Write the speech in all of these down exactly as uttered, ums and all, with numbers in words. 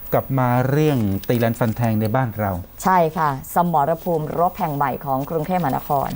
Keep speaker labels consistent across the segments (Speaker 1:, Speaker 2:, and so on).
Speaker 1: กลับมาเรื่องตีรันฟันแทงในบ้านเรา
Speaker 2: ใช่ค่ะสมรภูมิรบแห่งใหม่ของกรุงเทพมหานคร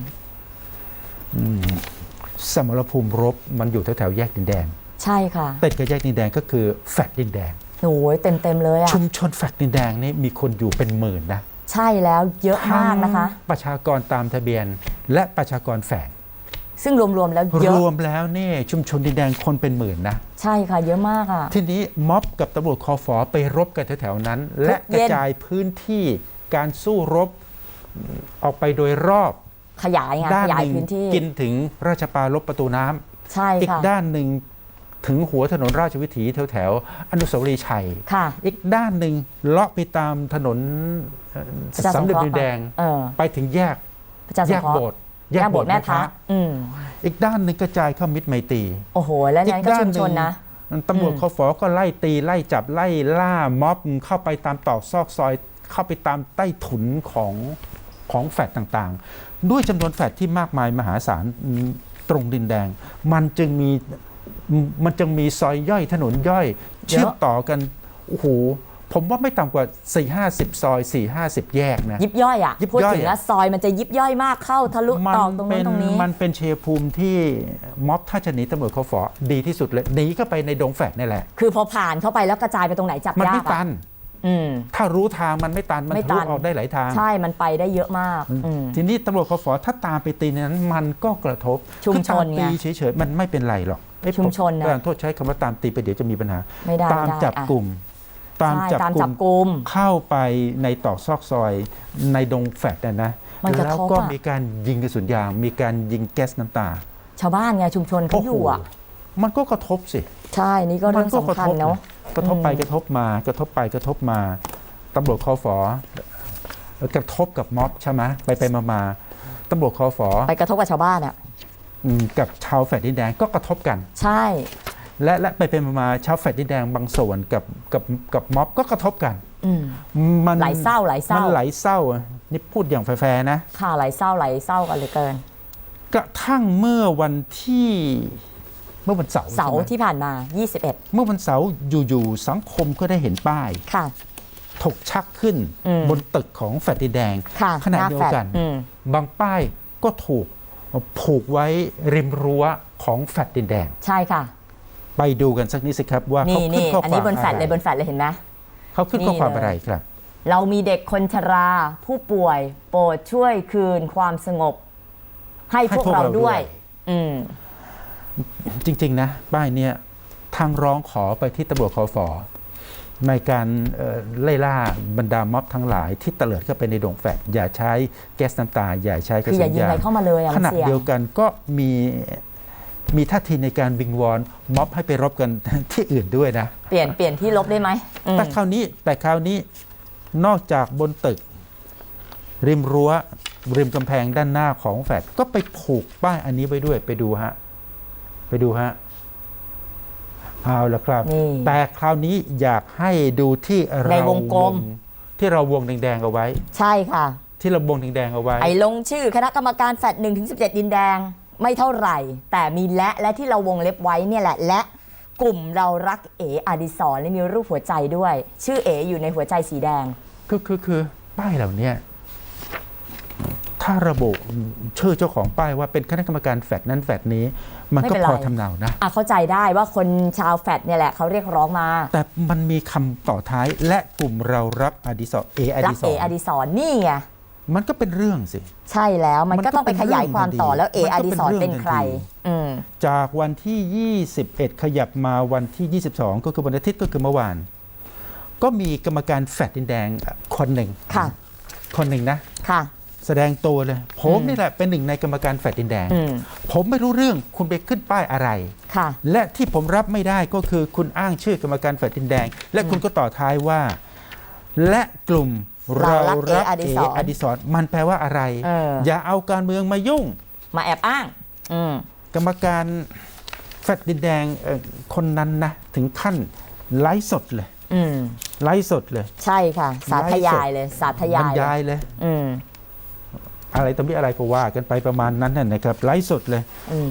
Speaker 1: สมรภูมิรบมันอยู่แถวๆแยกดินแดง
Speaker 2: ใช่ค่ะ
Speaker 1: ติดกับแยกดินแดงก็คือแฟลตดินแดง
Speaker 2: โอ้ยเต็มเต็มเลยอะ
Speaker 1: ชุมชนแฟลตดินแดงนี่มีคนอยู่เป็นหมื่นนะ
Speaker 2: ใช่แล้วเยอะมากนะคะ
Speaker 1: ประชากรตามทะเบียนและประชากรแฝง
Speaker 2: ซึ่งรวมๆแล้วเยอะ
Speaker 1: รวมแล้วนี่ชุมชนดินแดงคนเป็นหมื่นนะ
Speaker 2: ใช่ค่ะเยอะมากอ่ะ
Speaker 1: ทีนี้ม็อบกับตำรวจคฟไปรบกันแถวๆนั้นและกระจายพื้นที่การสู้รบออกไปโดยรอบ
Speaker 2: ขยายไงขยายพื้นที่
Speaker 1: กินถึงราชปารลบประตูน้
Speaker 2: ำใช่ค่ะ
Speaker 1: อีกด้านหนึ่งถึงหัวถนนราชวิถีแถวแถวอนุสาวรีย์ชัยอีกด้านหนึ่งเลาะไปตามถนนสามเหลี่ยมดินแดงไปถึงแยกแยกโบสถ์
Speaker 2: แยกโบสถ์แม่พระ
Speaker 1: อีกด้านหนึ่งกระจายเข้ามิตรไมตรี
Speaker 2: โอ้โหแล้วนั้นก็ชุมชนนะ
Speaker 1: ตำรวจคฟก็ไล่ตีไล่จับไล่ล่าม็อบเข้าไปตามตอกซอกซอยเข้าไปตามใต้ถุนของของแฟลตต่างๆด้วยจำนวนแฟลตที่มากมายมหาศาลตรงดินแดงมันจึงมีมันจึงมีซอยย่อยถนนย่อยเชื่อมต่อกันโอ้โหผมว่าไม่ต่ำกว่า สี่ห้าสิบ ซอย สี่ห้าสิบ แยกนะ
Speaker 2: ยิบย่อยอ่ะพูดถึงแล้วซอยมันจะยิบย่อยมากเข้าทะลุตอกตรงนู้นตรงนี้
Speaker 1: มันเป็นเชยภูมิที่ม็อบถ้าจะหนีตำรวจคฟดีที่สุดเลยหนีเข้าไปในดงแฟลตนี่แหละ
Speaker 2: คือพอผ่านเข้าไปแล้วกระจายไปตรงไหนจับยากมัน
Speaker 1: ไม่ตันถ้ารู้ทางมันไม่ตันมันทะลุออกได้หลายทาง
Speaker 2: ใช่มันไปได้เยอะมาก
Speaker 1: ทีนี้ตำรวจคฟถ้าตามไปตีนั้นมันก็กระทบ
Speaker 2: ชุมชนไง
Speaker 1: ตีเฉยๆมันไม่เป็นไรหรอก
Speaker 2: ชุมชนนะ
Speaker 1: การโทษใช้คำว่าตามตีไปเดี๋ยวจะมีปัญหาตามจับกลุ่ม
Speaker 2: ตามจับกลุ่ม
Speaker 1: เข้าไปในตอกซอกซอยในดงแฟลตนะนะแล้วก็มีการยิงกระสุนยางมีการยิงแก๊สน้ำตา
Speaker 2: ชาวบ้านไงชุมชนเขาอยู่อ่ะ
Speaker 1: มันก็กระทบสิ
Speaker 2: ใช่นี่ก็เรื่องสำคัญเนาะ
Speaker 1: กระทบไปกระทบมากระทบไปกระทบมาตำรวจคฟกระทบกับม็อบใช่ไหมไปไปมามาตำรวจคฟ
Speaker 2: ไปกระทบกับชาวบ้านอ่ะ
Speaker 1: กับชาวแฟลตดินแดงก็กระทบกัน
Speaker 2: ใช่
Speaker 1: และและไปเป็นมาชาวแฟลตดินแดงบางส่วนกับกับกับม็อบก็กระทบกัน
Speaker 2: มันไหลเศร้าไหลเศร้า
Speaker 1: มันไหลเศร้านี่พูดอย่างแฟร์ๆนะ
Speaker 2: ค่ะไหลเศร้าไหลเศร้ากันเลยเกิน
Speaker 1: กระทั่งเมื่อวันที่เมื่อวันเสาร์
Speaker 2: เสาร์ที่ผ่านมายี่สิบเอ็ด
Speaker 1: เมื่อวันเสาร์อยู่ๆสังคมก็ได้เห็นป้าย
Speaker 2: ค่ะ
Speaker 1: ถกชักขึ้นบนตึกของแฟลตดินแดงขณะเดียวกันบางป้ายก็ถูกผูกไว้ริมรั้วของแฟลตดินแดง
Speaker 2: ใช่ค่ะ
Speaker 1: ไปดูกันสักนิดสิครับว่าเขาขึ้นข้อความอะไรอันนี้
Speaker 2: บนแฟลตเลยบนแฟลตเลยเห็นไหม
Speaker 1: เขาขึ้นข้อความอะไรครับ
Speaker 2: เรามีเด็กคนชราผู้ป่วยโปรดช่วยคืนความสงบให้พวกเราด้วยอืม
Speaker 1: จริงๆนะป้ายเนี้ยทางร้องขอไปที่ตำรวจคฟในการไล่ล่าบรรดาม็อบทั้งหลายที่เตลิดเข้าไปในดงแฟลตอย่าใช้แก๊สน้ำตาอย่าใช้กระสุนยางขณะเดียวกันก็มีมีท่าทีในการวิงวอนม็อบให้ไปรบกันที่อื่นด้วยนะ
Speaker 2: เปลี่ยนเปลี่ยนที่รบได้ไหม
Speaker 1: แต่คราวนี้แต่คราวนี้นอกจากบนตึกริมรั้วริมกำแพงด้านหน้าของแฟลตก็ไปผูกป้ายอันนี้ไว้ด้วยไปดูฮะไปดูฮะเอาละครับแต่คราวนี้อยากให้ดูที่เรา
Speaker 2: ในวงกลม
Speaker 1: ที่เราวงแดงๆเอาไว้
Speaker 2: ใช่ค่ะ
Speaker 1: ที่เราวงแดงๆเอาไว้
Speaker 2: ไอ้ลงชื่อคณะกรรมการแฟลตหนึ่งถึงสิบเจ็ดดินแดงไม่เท่าไหร่แต่มีและและที่เราวงเล็บไว้เนี่ยแหละและกลุ่มเรารักเออดิศรและมีรูปหัวใจด้วยชื่อเออยู่ในหัวใจสีแดง
Speaker 1: คือคือคือป้ายเหล่านี้ถ้าระบุชื่อเจ้าของป้ายว่าเป็นคณะกรรมการแฟลตนั้นแฟลตนี้มันก็พอทำเนานะ
Speaker 2: อ่ะเข้าใจได้ว่าคนชาวแฟลตเนี่ยแหละเขาเรียกร้องมา
Speaker 1: แต่มันมีคำต่อท้ายและกลุ่มเรารักอดิศรเออดิศร
Speaker 2: รักเออดิศรนี่ไง
Speaker 1: มันก็เป็นเรื่องสิ
Speaker 2: ใช่แล้วมันก็ต้องไปขยายความต่อแล้วเออดิศรเป็นใคร
Speaker 1: จากวันที่ยี่สิบเอ็ดขยับมาวันที่ยี่สิบสองก็คือวันอาทิตย์ก็คือเมื่อวานก็มีกรรมการแฟลตดินแดงคนหนึ่ง
Speaker 2: ค่ะ
Speaker 1: คนหนึ่งนะ
Speaker 2: ค่ะ
Speaker 1: แสดงตัวเลยผมนี่แหละเป็นหนึ่งในกรรมการแฟลตดินแดงผมไม่รู้เรื่องคุณไปขึ้นป้ายอะไรและที่ผมรับไม่ได้ก็คือคุณอ้างชื่อกรรมการแฟลตดินแดงและคุณก็ต่อท้ายว่าและกลุ่มเรารักเออดิศรมันแปลว่าอะไรอย่าเอาการเมืองมายุ่ง
Speaker 2: มาแอบอ้าง
Speaker 1: กรรมการแฟลตดินแดงคนนั้นนะถึงขั้นไลฟ์สดเลยไลฟ์สดเลย
Speaker 2: ใช่ค่ะสาธยายเลยสาธยาย
Speaker 1: บรรยายเลยอะไรตรงนี้อะไรก็ว่ากันไปประมาณนั้นนะครับไลฟ์สดเลย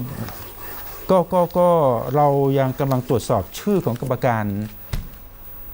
Speaker 1: ก็ก็ก็เรายังกำลังตรวจสอบชื่อของกรรมการ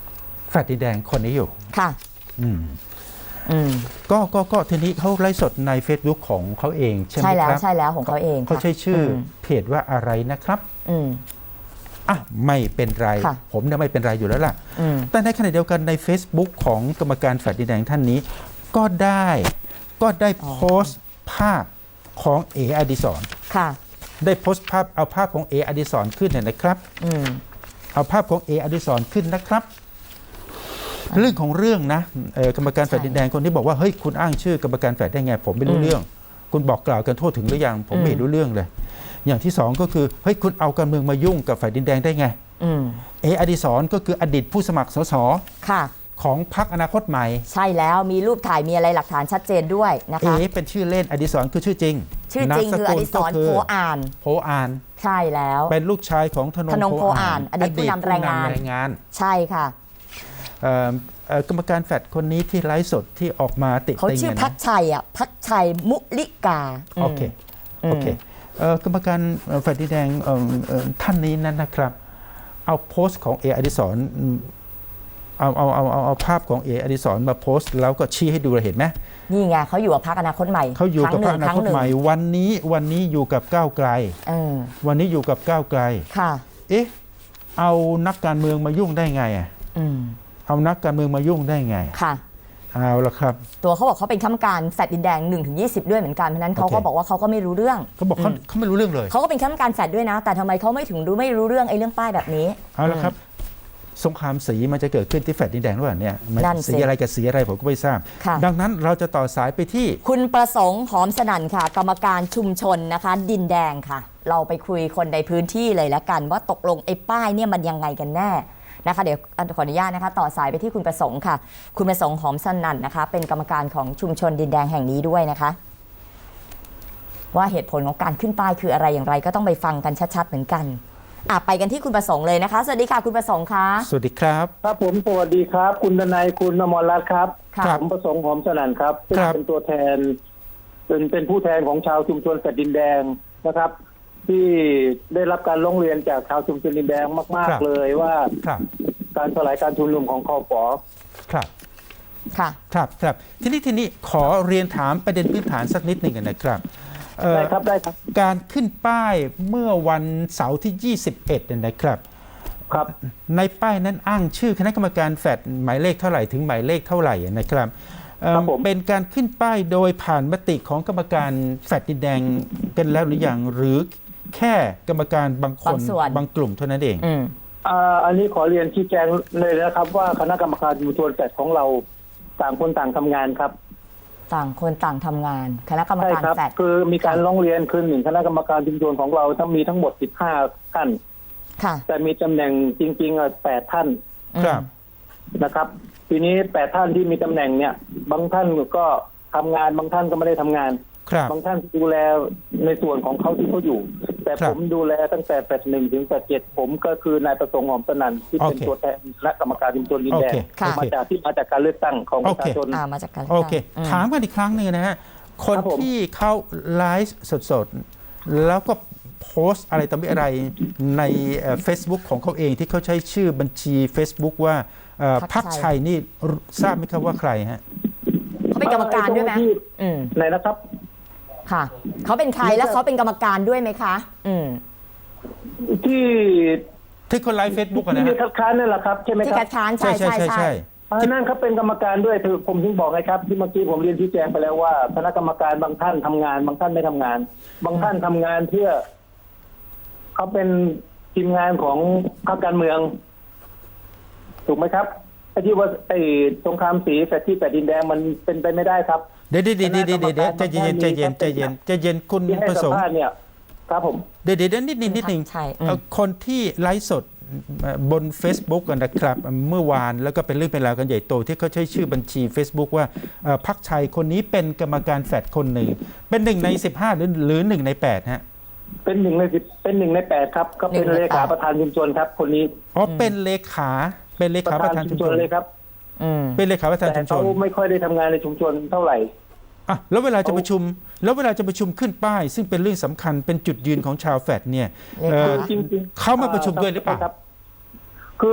Speaker 1: แฟลตดินแดงคนนี้อยู่
Speaker 2: ค่ะ
Speaker 1: อืม
Speaker 2: อืม
Speaker 1: ก็ก็ก็ทีนี้เขาไลฟ์สดใน Facebook ของเขาเองใช่ไหม
Speaker 2: ใช่แล้ว
Speaker 1: ครับ
Speaker 2: ใช่แล้วของเขาเอง
Speaker 1: เขา
Speaker 2: ค่ะ
Speaker 1: ใช้ชื่ออ
Speaker 2: ม
Speaker 1: เพจว่าอะไรนะครับ
Speaker 2: อืม
Speaker 1: อ่ะไม่เป็นไร
Speaker 2: ค่ะ
Speaker 1: ผมเนี่ยไม่เป็นไรอยู่แล้วล่ะ
Speaker 2: อืม
Speaker 1: แต่ในขณะเดียวกันใน Facebook ของกรรมการแฟลตดินแดงท่านนี้ ก็ได้ก็ได้โพสต์ภาพของเออดิศร
Speaker 2: ค่ะ
Speaker 1: ได้โพสต์ภาพเอาภาพของเออดิศรขึ้นเนี่ยนะครับ
Speaker 2: อืม
Speaker 1: เอาภาพของเออดิศรขึ้นนะครับ เรื่องของเรื่องนะเอ่อกรรมการแฟลตดินแดงคนที่บอกว่าเฮ้ยคุณอ้างชื่อกรรมการแฟลตได้ไง ผมไม่รู้
Speaker 2: อืม
Speaker 1: เรื่อง คุณบอกกล่าวกันทั่วถึงหรือยังผมไม่
Speaker 2: อืม
Speaker 1: เห็นรู้เรื่องเลย อย่างที่สองก็คือเฮ้ยคุณเอาการเมืองมายุ่งกับแฟลตดินแดงได้ไง
Speaker 2: อืม
Speaker 1: เออดิศรก็คืออดีตผู้สมัครสส
Speaker 2: ค่ะ
Speaker 1: ของพรรคอนาคตใหม่
Speaker 2: ใช่แล้วมีรูปถ่ายมีอะไรหลักฐานชัดเจนด้วยนะ
Speaker 1: เอ
Speaker 2: คะ
Speaker 1: เป็นชื่อเล่นอดิศรคือชื่อจริง
Speaker 2: ชื่อจริงคืออดิศรโพอ่าน
Speaker 1: โพอ่าน
Speaker 2: ใช่แล้ว
Speaker 1: เป็นลูกชายของธนง
Speaker 2: ธนงโพอ่าน
Speaker 1: อ
Speaker 2: อดีตผู้นำแรงงาน
Speaker 1: อดีตผู้นำแรงงาน
Speaker 2: ใช่ค่ะ
Speaker 1: เอ่อเอ่อกรรมการแฟดคนนี้ที่ไลฟ์สดที่ออกมาติ
Speaker 2: เขา
Speaker 1: ติง
Speaker 2: ชื่อ
Speaker 1: เนี่ย
Speaker 2: พัก
Speaker 1: นะ
Speaker 2: ชัยอ่ะพักชัยมุลิกา
Speaker 1: โอเคโอเคเอ่อกรรมการแฟดดินแดงเอ่อเอ่อท่านนี้นั้นนะครับ เอาโพสต์ของเออดิศรอืมเอาเอาเอาเอาเอาภาพของเออดิศรมาโพสต์แล้วก็ชี้ให้ดูเราเห็นไหม
Speaker 2: นี่ไงเขาอยู่กับพักอนาคตใหม่
Speaker 1: เขาอยู่กับพรรคอนาคตใหม่
Speaker 2: ครั้ง
Speaker 1: วันนี้วันนี้อยู่กับก้าวไกล
Speaker 2: เออ
Speaker 1: วันนี้อยู่กับก้าวไกล
Speaker 2: ค่ะ
Speaker 1: เอ๊ะเอานักการเมืองมายุ่งได้ไงอ่ะ
Speaker 2: อืม
Speaker 1: เอานักการเมืองมายุ่งได้ไง
Speaker 2: ค่ะ
Speaker 1: เอาละครับ
Speaker 2: ตัวเขาบอกเขาเป็นข้าราชการแฟลตดินแดงหนึ่งถึงยี่สิบด้วยเหมือนกันเพราะฉะนั้นเขาก็
Speaker 1: โอเค
Speaker 2: บอกว่าเขาก็ไม่รู้เรื่อง
Speaker 1: เขาบอกเขา
Speaker 2: อืม
Speaker 1: เขาไม่รู้เรื่องเลย
Speaker 2: เขาก็เป็นข้าราชการแฟลตด้วยนะ แต่ทำไมเขาไม่ถึงรู้ไม่รู้เรื่องไอ้เรื่องป้ายแบบนี้
Speaker 1: เอาละครับ สงครามสีมันจะเกิดขึ้นที่แฟลตดินแดงหรือเปล่าเนี่ยมัน
Speaker 2: นั่นสิ
Speaker 1: สีอะไรกับสีอะไรผมก็ไม่ทราบ
Speaker 2: ค่ะ
Speaker 1: ดังนั้นเราจะต่อสายไปที่
Speaker 2: คุณประสงค์หอมสนั่นค่ะ กรรมการชุมชนนะคะ ดินแดงค่ะ เราไปคุยคนในพื้นที่เลยละกัน ว่าตกลงไอ้ป้ายเนี่ยมันยังไงกันแน่นะคะเดี๋ยวขออนุญาตนะคะ ต่อสายไปที่คุณประสงค์ค่ะ คุณประสงค์หอมสนั่นนะคะ เป็นกรรมการของชุมชนดินแดงแห่งนี้ด้วยนะคะ ว่าเหตุผลของการขึ้นป้ายคืออะไรอย่างไร ก็ต้องไปฟังกันชัดๆเหมือนกันอ่ะไปกันที่คุณประสงค์เลยนะคะ สวัสดีค่ะคุณประสงค์คะ
Speaker 1: สวัสดีครับ
Speaker 3: ครับผมสวัสดีครับ คุณดนัยคุณอมรรัตน์ครับ
Speaker 2: ค่ะ
Speaker 3: ผมประสงค์หอมสนั่นครับซึ่ง
Speaker 1: ครับ
Speaker 3: เป็นตัวแทน เป็นเป็นผู้แทนของชาวชุมชนแฟลตดินแดงนะครับ ที่ได้รับการร้องเรียนจากชาวชุมชนดินแดงมาก ๆ เลยว่า
Speaker 1: ครับ
Speaker 3: การสลายการชุมนุมของคอฟอ
Speaker 1: ครับ
Speaker 2: ค่ะ
Speaker 1: ครับครับทีนี้ทีนี้ขอเรียนถามประเด็นพื้นฐานสักนิดหนึ่งนะครับเอ่อ
Speaker 3: ได้ครับได้ครับ
Speaker 1: การขึ้นป้ายเมื่อวันเสาร์ที่ ยี่สิบเอ็ดเนี่ยนะครับ
Speaker 3: ครับ
Speaker 1: ในป้ายนั้นอ้างชื่อคณะกรรมการแฟดหมายเลขเท่าไหร่ถึงหมายเลขเท่าไหร่นะครับเอิ่ม
Speaker 3: ครับผม
Speaker 1: เป็นการขึ้นป้ายโดยผ่านมติของกรรมการแฟดดินแดงกันแล้วหรือยังหรือแค่กรรมการบางคน
Speaker 2: บางส่วน
Speaker 1: บางกลุ่มเท่านั้นเอง
Speaker 2: อืม
Speaker 3: อ่าอันนี้ขอเรียนชี้แจงเลยนะครับ ว่าคณะกรรมการชุมชนแฟลตของเราต่างคนต่างทำงานครับ
Speaker 2: ต่างคนต่างทำงานคณะกรรม
Speaker 3: ใช่
Speaker 2: การ
Speaker 3: ครับ
Speaker 2: แฟลต
Speaker 3: คือมีการร้องเรียนคือหนึ่งคณะกรรมการชุมชนของเราทั้งมีทั้งหมดสิบห้าท่าน
Speaker 2: ค่ะ
Speaker 3: แต่มีตำแหน่งจริงๆอ่ะแปดท่าน
Speaker 1: ครับ
Speaker 3: นะครับ ทีนี้แปดท่านที่มีตำแหน่งเนี่ย บางท่านก็ทำงานบางท่านก็ไม่ได้ทำงาน
Speaker 1: ครับ
Speaker 3: บางท่านดูแลในส่วนของเขาที่เขาอยู่ แต่
Speaker 1: ครับ
Speaker 3: ผมดูแลตั้งแต่แปดหนึ่งถึงแปดเจ็ดผมก็คือนายประสงค์หอมสนั่นที่เป็น
Speaker 1: โอเค
Speaker 3: ตัวแทนคณะกรรมการชุมชนดินแดง
Speaker 1: โอเค
Speaker 2: ค่ะ
Speaker 3: มาจากที่มาจากการเลือกตั้งของประชาชน
Speaker 2: อ่ามาจากการ
Speaker 1: โอเค
Speaker 2: อืม
Speaker 1: ถามกันอีกครั้งหนึ่งนะฮะ คน
Speaker 3: ครับผม
Speaker 1: ที่เขาไลฟ์สดๆ แล้วก็โพสต์อะไรต่อมีอะไรในเฟซบุ๊กของเขาเองที่เขาใช้ชื่อบัญชี Facebook ว่าเอ่อ
Speaker 2: พั
Speaker 1: พั
Speaker 2: ก
Speaker 1: ก
Speaker 2: ชั
Speaker 1: ชั
Speaker 2: ย
Speaker 1: ยนี่ทราบไหมครับว่าใครฮะ
Speaker 2: เขาเป็นกรรมการด้วยไหม
Speaker 3: เอ่อไอ้ตรงที่
Speaker 2: อืม
Speaker 3: ไหนนะครับ
Speaker 2: ค่ะ เขาเป็นใครแล้วเขาเป็นกรรมการด้วยไหมคะ อืม
Speaker 3: ที่
Speaker 1: ที่คนไลฟ์เฟซบุ๊กนะ
Speaker 3: ที่
Speaker 1: ฮะ
Speaker 3: คัดค้านนั่นแหละครับใช่ไหม
Speaker 2: ที่
Speaker 3: ค
Speaker 2: คั
Speaker 3: รับ
Speaker 2: ดค้านใช่ใช่ใช่
Speaker 3: อ่านั่นเขาเป็นกรรมการด้วยคือผมถึงบอกไงครับ ที่เมื่อกี้ผมเรียนชี้แจงไปแล้วว่าคณะกรรมการบางท่านทำงาน บางท่านไม่ทำงาน บางท่านทำงานเพื่อเขาเป็นทีมงานของพรรคการเมือง ถูกไหมครับไอ้ที่ว่าไอ้สงครามสีแฟดที่แฟดดินแดงมันเป็นไปไม่ได้ครับ
Speaker 1: เดี๋ยวเดี๋ยวเดี๋ยวเดี๋ยวเดี๋ยวใจเย็นใจเย็นใจเย็นใจเย็นคุณ
Speaker 3: ที่ให้
Speaker 1: ประส
Speaker 3: สั
Speaker 1: ง
Speaker 3: ม
Speaker 1: ค์
Speaker 3: ภาษณ์เนี่ย ครับผม
Speaker 1: เดี๋ยวเดี๋ยวนิดนิดนิดหนึ่ง
Speaker 2: ใช่อืม
Speaker 1: เอ่อคนที่ไลฟ์สดบน Facebook กันนะครับ เมื่อวานแล้วก็เป็นเรื่องเป็นราวกันใหญ่โตที่เขาใช้ชื่อบัญชี Facebook ว่าเอ่อพักชัยคนนี้เป็นกรรมการแฟดคนหนึ่ง เป็นหนึ่งในสิบห้าหรือหรือหนึ่งในแปดฮะ
Speaker 3: เป็นหนึ่งในสิบเป็นหนึ่งในแปดครับก็เป็น
Speaker 2: หนึ่งใน
Speaker 3: เลขา
Speaker 2: แปด
Speaker 3: ประธานชุมชนครับ คนนี้
Speaker 1: อ๋อเป็นเลขาเป็นเลขาประธานชุมชน
Speaker 3: เลยครับ
Speaker 2: อืม
Speaker 1: เป็นเลขาประธาน
Speaker 3: แต่
Speaker 1: ชุมช
Speaker 3: เขา
Speaker 1: น
Speaker 3: ไม่ค่อยได้ทำงานในชุมชนเท่าไหร่
Speaker 1: อ่ะแล้วเวลาจะประชุม แล้วเวลาจะประชุมขึ้นป้าย ซึ่งเป็นเรื่องสำคัญเป็นจุดยืนของชาวแฟดเนี่ย
Speaker 2: เลขา
Speaker 1: เอ่อ
Speaker 3: จริงๆ
Speaker 1: เขามาประชุมด้วยหรือเปล่า
Speaker 3: ครับ คือ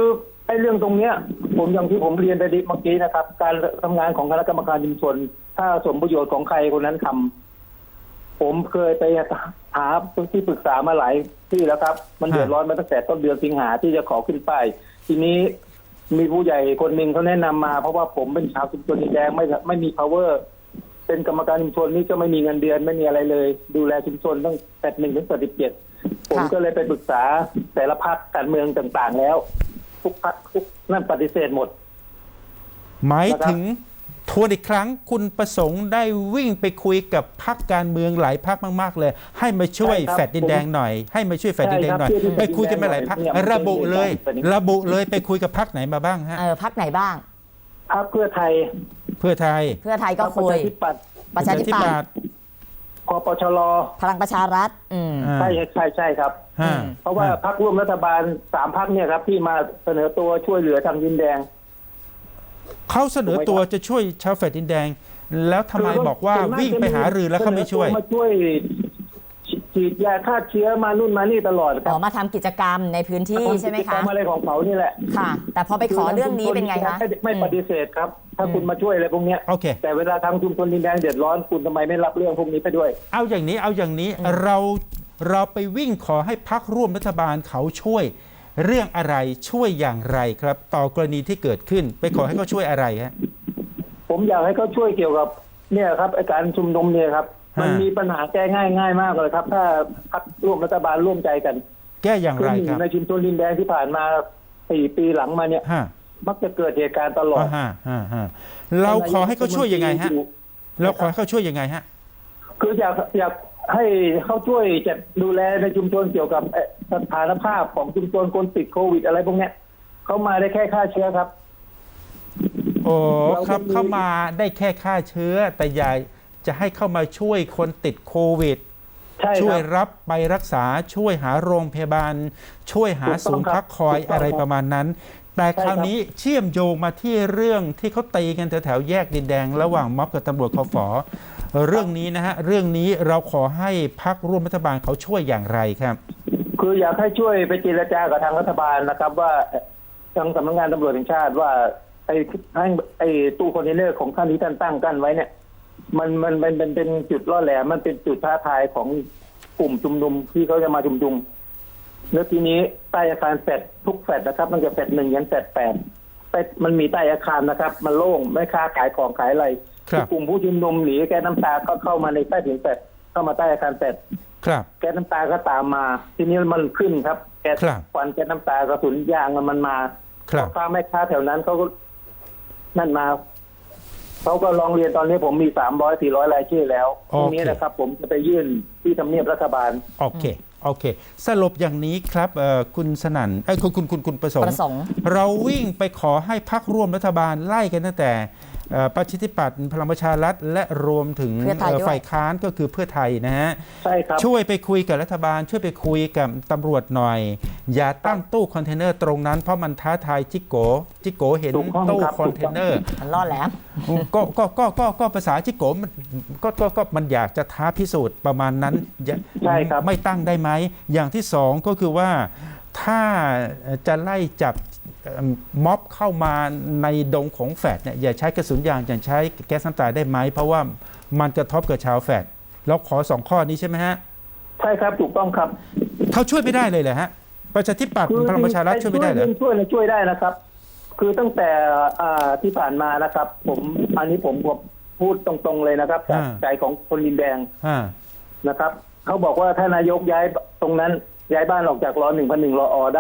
Speaker 3: ไอ้เรื่องตรงเนี้ย ผมอย่างที่ผมเรียนไปเมื่อกี้นะครับ การทำงานของคณะกรรมการชุมชน ถ้าสมประโยชน์ของใครคนนั้นทำผมเคยไปหาที่ปรึกษามาหลายที่แล้วครับ มันเดือดร้อนมาตั้งแต่ต้นเดือนสิงหาที่จะขอขึ้นป้ายทีนี้มีผู้ใหญ่คนหนึ่งเขาแนะนำมา เพราะว่าผมเป็นชาวชุมชนดินแดงไม่ไม่มี power เป็นกรรมการชุมชนนี่ก็ไม่มีเงินเดือนไม่มีอะไรเลย ดูแลชุมชนตั้งแต่หนึ่งถึงสิบเจ็ดผมก็เลยไปปรึกษาแต่ละพรรคการเมืองต่างๆแล้ว ทุกพรรคทุกนั่นปฏิเสธหมด
Speaker 1: หมายถึงทวนอีกครั้งคุณประสงค์ได้วิ่งไปคุยกับพรรคการเมืองหลายพรรคมากๆเลย ให้มาช่วย
Speaker 3: ใช่ครับ
Speaker 1: แฟดดินแดงหน่อยให้มาช่วยแฟดดินแดงหน่อย
Speaker 3: ใช่ครับ
Speaker 1: ไปคุยกันมาหลายพรรค
Speaker 3: เนี่ยมัน
Speaker 1: ระบุเลย
Speaker 3: เป็น
Speaker 1: ระบุเลยไปคุยกับพรรคไหนมาบ้างฮะ
Speaker 2: เออพักไหนบ้าง
Speaker 3: พรรคเพื่อไทย
Speaker 1: เพื่อไทย
Speaker 2: เพื่อไทยก็
Speaker 3: พรร
Speaker 2: คุย
Speaker 3: ประชาธิปัตย์
Speaker 2: ประชาธิปัตย์
Speaker 3: คปชร
Speaker 2: พลังประชารัฐ อืม
Speaker 1: อ่า
Speaker 3: ใช่ใช่ใช่ครับ
Speaker 1: ฮะ
Speaker 3: เพราะว่าพรรคร่วมรัฐบาลสามพรรคเนี่ยครับ ที่มาเสนอตัวช่วยเหลือทางดินแดง
Speaker 1: เขาเสนอตัวจะช่วยชาวแฟดดินแดง แล้วทำไมบอกว่าวิ่งไปหารือแล้วเขาไม่ช่วย
Speaker 3: สนอตัวมาช่วยฉีดยาฆ่าเชื้อมานู่นมานี่ตลอดค
Speaker 2: อ๋
Speaker 3: รั
Speaker 2: อบ มาทำกิจกรรมในพื้นที่ใช่ไหม
Speaker 3: กิจกร
Speaker 2: คะ
Speaker 3: รอะไรของเขานี่แหละ
Speaker 2: ค่ะ แต่พอไปขอเรื่องนี้เป็นไงคะ
Speaker 3: ไม่ไม่ปฏิเสธครับ ถ้าคุณมาช่วยอะไรพวกเนี้ย
Speaker 1: โอเค
Speaker 3: แต่เวลาทางชุมชนดินแดงเดือดร้อนคุณทำไมไม่รับเรื่องพวกนี้ไปด้วย
Speaker 1: เอาอย่างนี้เอาอย่างนี้เราเราไปวิ่งขอให้พักร่วมรัฐบาลเขาช่วย เรื่องอะไรช่วยอย่างไรครับ ต่อกรณีที่เกิดขึ้น ไปขอให้เขาช่วยอะไรฮะ
Speaker 3: ผมอยากให้เขาช่วยเกี่ยวกับเนี่ยครับไอ้การชุมนุมเนี่ยครับ
Speaker 1: ฮะ
Speaker 3: มันมีปัญหาแก้ง่ายง่ายมากเลยครับ ถ้าพรรคร่วมรัฐบาลร่วมใจกัน
Speaker 1: แก้อย่าง
Speaker 3: คือ
Speaker 1: ไร
Speaker 3: หนึ่ง
Speaker 1: ครับ
Speaker 3: ในชุมชนดินแดงที่ผ่านมาสี่ปีหลังมาเนี่ย
Speaker 1: ฮะ
Speaker 3: มักจะเกิดเหตุการณ์ตลอด
Speaker 1: อ่าฮะฮะฮะเราขอให้เขาช่วยยังไงฮะเราขอให้เขาช่วยยังไงฮะ
Speaker 3: คืออยากอยากให้เขาช่วยจัดดูแลในชุมชนเกี่ยวกับเอ่อสถานภาพของชุมชนคนติดโควิดอะไรพวกเนี้ยเขามาได้แค่ฆ่าเชื้อครับ
Speaker 1: โอ้
Speaker 3: เรา
Speaker 1: ครับ
Speaker 3: จะมี
Speaker 1: เข้ามาได้แค่ฆ่าเชื้อ แต่อย่าจะให้เข้ามาช่วยคนติดโควิด
Speaker 3: ใช่ค
Speaker 1: ช่วย
Speaker 3: รับ
Speaker 1: รับไปรักษาช่วยหาโรงพยาบาล ช่วยหา
Speaker 3: ถูกต้อง
Speaker 1: ศูนย์
Speaker 3: ครับ
Speaker 1: พักคอย
Speaker 3: ถูกต้อง
Speaker 1: อะไร
Speaker 3: ครับ
Speaker 1: ประมาณนั้น แต่
Speaker 3: ใช่
Speaker 1: คราว
Speaker 3: ครับ
Speaker 1: นี้เชื่อมโยงมาที่เรื่องที่เขาตีกันแถวๆแยกดินแดง ระหว่างม็อบกับตำรวจคฟเรื่องนี้นะฮะเรื่องนี้เราขอให้พักร่วมรัฐบาลเขาช่วยอย่างไรครับ
Speaker 3: คืออยากให้ช่วยไปเจรจากับทางรัฐบาลนะครับ ว่าทางสำนักงานตำรวจแห่งชาติว่าไอ้ให้ไอ้ตู้คอนเทนเนอร์ของท่านที่ท่านตั้งกั้นไว้เนี่ย มันมันมันเป็นเป็นจุดล่อแหลมมันเป็นจุดท้าทายของกลุ่มชุมนุมที่เขาจะมาชุมนุมแล้วทีนี้ใต้อาคารแฟดทุกแฟดนะครับ มันจะแฟดหนึ่งยันแฟดแปดใต้มันมีใต้อาคารนะครับ มันโล่งไม่ค้าขายของขายอะไร
Speaker 1: ครับ
Speaker 3: กลุ่มผู้ชุมนุมหนีแก๊สน้ำตาก็เข้ามาในใต้ถุนแฟดเข้ามาใต้อาคารแฟด
Speaker 1: ครับ
Speaker 3: แก๊สน้ำตาก็ตามมา ทีนี้มันขึ้นครับแก๊ส
Speaker 1: ครับ
Speaker 3: ควันแก๊สน้ำตากระสุนยางมันมา
Speaker 1: ครับ
Speaker 3: พ่อค้าแม่ค้าแถวนั้นเขาก็นั่นมาเขาก็ร้องเรียนตอนนี้ผมมีสามร้อยสี่ร้อยรายชื่อแล้วพรุ่งนี้นะครับ ผมจะไปยื่นที่ทำเนียบรัฐบาล
Speaker 1: โอเคโอเค สรุปอย่างนี้ครับเอ่อคุณสนั่นเอ้ยคุณคุณคุณคุณประสง
Speaker 2: ป
Speaker 1: ค์
Speaker 2: ระสงค์
Speaker 1: เราวิ่งไปขอให้พักร่วมรัฐบาลไล่กันตั้งแต่เอ่อประชาธิปัตย์พลังประชารัฐและรวมถึง
Speaker 2: เพื่อไทยด้วย
Speaker 1: ฝ่ายค้านก็คือเพื่อไทยนะฮะ
Speaker 3: ใช่ครับ
Speaker 1: ช่วยไปคุยกับรัฐบาล ช่วยไปคุยกับตำรวจหน่อย อย่าตั้งตู้คอนเทนเนอร์ตรงนั้นเพราะมันท้าทายจิโกจิโกเห็น
Speaker 3: ถูกต้อง
Speaker 1: ตู้
Speaker 3: ครับ
Speaker 1: คอนเทนเนอร์
Speaker 2: มันล่อแหลม
Speaker 1: ก็ก็ก็ก็ก็ภาษาจิโกมันก็ก็ก็มันอยากจะท้าพิสูจน์ประมาณนั้นอย่า
Speaker 3: ใช่ครับ
Speaker 1: ไม่ตั้งได้ไหมอย่างที่สองก็คือว่าถ้าจะไล่จับเอ่อม็อบเข้ามาในดงของแฟดเนี่ยอย่าใช้กระสุนยางอย่าใช้แก๊สน้ำตาได้ไหมเพราะว่ามันกระทบกับชาวแฟดเราขอสองข้อนี้ใช่ไหมฮะ
Speaker 3: ใช่ครับถูกต้องครับ
Speaker 1: เขาช่วยไม่ได้เลยเหรอฮะประชาธิปัตย์พลังประชารัฐช่วยไม่ได้เหรอ
Speaker 3: ช่วยนะช่วยได้นะครับ คือตั้งแต่อ่าที่ผ่านมานะครับ ผมอันนี้ผมผมพูดตรงๆเลยนะครับจาก
Speaker 1: อ่า
Speaker 3: ใจของคนดินแดง
Speaker 1: อ่า
Speaker 3: นะครับเขาบอกว่าถ้านายกย้ายตรงนั้น ย้ายบ้านออกจากรอหนึ่งพันหนึ่งรออได้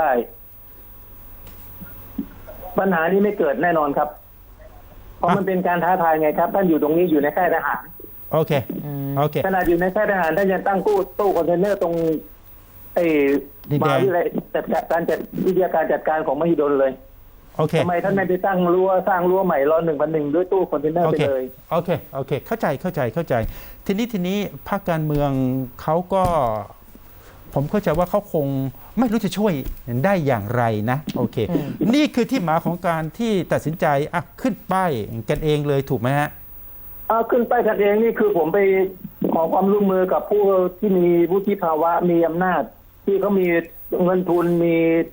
Speaker 3: ปัญหานี้ไม่เกิดแน่นอนครับ เพราะมันเป็นการท้าทายไงครับท่านอยู่ตรงนี้อยู่ในค่ายทหาร
Speaker 1: โอเคโอเค
Speaker 3: ขนาดอยู่ในค่ายทหารท่านยังตั้งตู้ตู้คอนเทนเนอร์ตรงไอ้
Speaker 1: ดิน
Speaker 3: ม
Speaker 1: แดง
Speaker 3: หาวิทยาลัยจัดการจัดวิทยาการจัดการของมหิดลเลย
Speaker 1: โอเค
Speaker 3: ทำไมท่านไม่ไปตั้งรั้วสร้างรั้วใหม่รอหนึ่งพันหนึ่งด้วยตู้คอนเทนเนอร์
Speaker 1: โอ
Speaker 3: ไป
Speaker 1: เค
Speaker 3: เลย
Speaker 1: โอเคโอเคเข้าใจเข้าใจเข้าใจ ทีนี้ทีนี้พรรคการเมืองเขาก็ ผมเข้าใจว่าเขาคงไม่รู้จะช่วยได้อย่างไรนะโอเค
Speaker 2: อืม
Speaker 1: นี่คือที่มาของการที่ตัดสินใจอ่ะขึ้นป้ายกันเองเลยถูกไหมฮะ
Speaker 3: เอาขึ้นไปกันเองนี่คือผมไปขอความร่วมมือกับผู้ที่มีวุฒิภาวะมีอำนาจ ที่เขามีเงินทุนมี